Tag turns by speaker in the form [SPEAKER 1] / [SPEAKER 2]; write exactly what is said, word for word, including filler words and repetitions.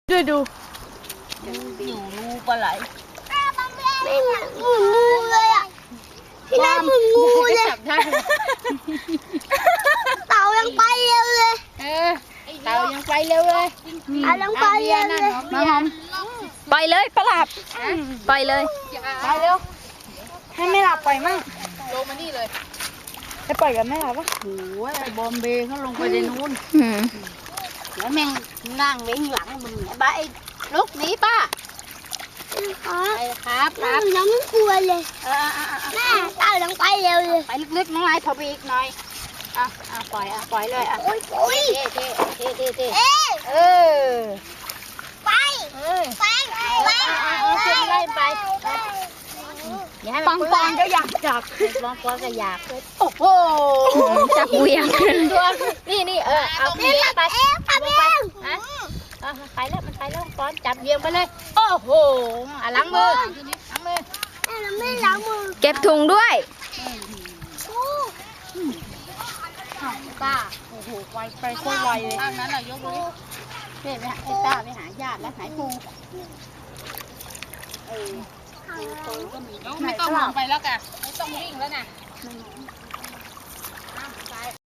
[SPEAKER 1] ดูดู
[SPEAKER 2] อยู่รูปลาไหล
[SPEAKER 3] ไม่เหมือนงูเลยอ่ะที่นั่นเหมือนงูเลยเต่ายังไปเร็วเลย
[SPEAKER 2] เออเต่ายังไปเร็วเลย
[SPEAKER 3] เต่ายังไปเร็วเลย
[SPEAKER 1] มาหอมไปเลยปลาหลับไปเลยไปเร็วให้ไม่หลับไปมั่ง
[SPEAKER 2] ลงมานี่เลย
[SPEAKER 1] จะปล่อยกันไม่หลับวะ
[SPEAKER 2] โอ้ยบอมเบย์เขาลงไปในนู้น
[SPEAKER 1] อืม
[SPEAKER 2] แล้วแม่งนั่งเว้งหลังมึงบ้าไอ้ลูกนี้ป้า
[SPEAKER 3] อ๋อ
[SPEAKER 2] ไปครับค
[SPEAKER 3] แม่
[SPEAKER 2] รับ
[SPEAKER 3] ยังไม่กลัวเลย
[SPEAKER 2] เออ
[SPEAKER 3] แม่เต่ายังไปเร็วเลย
[SPEAKER 2] ไปลึกๆน้องไอ้พอไปอีกหน่อยอ่ะอ่ะปล่อยอ่ะปล่อยเลยอ่ะ
[SPEAKER 3] โอ้ยโอ้ย
[SPEAKER 2] เท่เท่เท่เท่
[SPEAKER 3] เอ๊ะ
[SPEAKER 2] เออ
[SPEAKER 3] ไป
[SPEAKER 2] เออ
[SPEAKER 3] ไปไป
[SPEAKER 2] ไล่ไปอย่าให้
[SPEAKER 1] ปั
[SPEAKER 2] มัน
[SPEAKER 1] งปังก็อยากจับ
[SPEAKER 2] ปองปองก็อยากโอ้โห
[SPEAKER 1] จับเหวี่ยง
[SPEAKER 2] ตัวนี่นี่เออเอาเบียงไป
[SPEAKER 3] เอ๊ะทำเอง
[SPEAKER 2] ฮะไปแล้วมันไปแล้วป้อนจับเบียงไปเลยโอ้โหอ่ะล้างมือล้างมือ
[SPEAKER 3] แม่เราไม่ล้างมือ
[SPEAKER 1] เก็บถุงด้วย
[SPEAKER 3] โอ้
[SPEAKER 2] ป้า
[SPEAKER 1] โอ้โหไวไปโคตรไวเลย
[SPEAKER 2] ข้างนั้นเรายกมือเพ่ไปหาไอ้ป้าไปหาญาติแล้วหายปูเออปูก็มี
[SPEAKER 4] ไม่ต้องมองไปแล้วกันไม่ต้องวิ่งแล้วนะ